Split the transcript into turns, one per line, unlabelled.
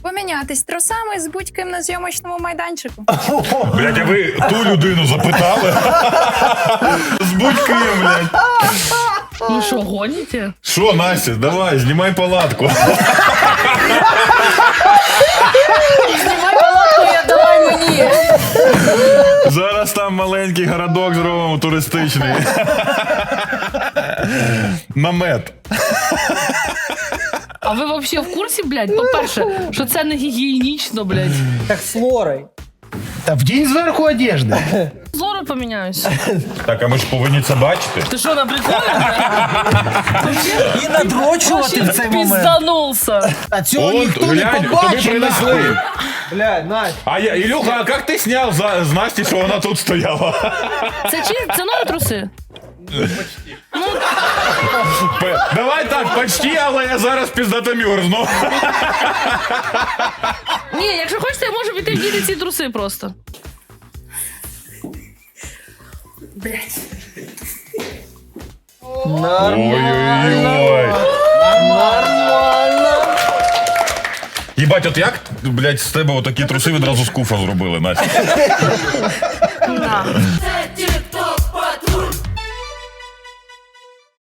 Помінятись трусами з будь-ким на зйомочному майданчику.
Блядь, а ви ту людину запитали? З будь-ким, блядь.
Ну що, гоніте?
Що, Настя, давай, знімай палатку.
Знімай палатку, я давай мені.
Зараз там маленький городок зробимо туристичний. Намет.
А ви взагалі в курсі, блядь? По-перше, що це не гігієнічно, блядь.
Так с Лорой.
Та вдінь зверху одежди.
Зору поміняюсь.
Так, а ми ж повинні це бачити.
Ти що, на приколі, блядь?
І надрочувати в цей момент.
Пізданулся.
А цього
От,
ніхто не
глянь, тобі
побачить.
принесли.
Блядь, Настя.
А я, Ілюха, а як ти зняв з Насті, що вона тут стояла?
Це нові труси?
Давай так, почти, але я зараз піздато мюрзну.
Ні, якщо хочете, я можу піти вдіти ці труси просто.
Ой-ой-ой.
Нормально.
Їбать, от як, блядь, з тебе отакі труси відразу з куфа зробили, Настя?
На.
Це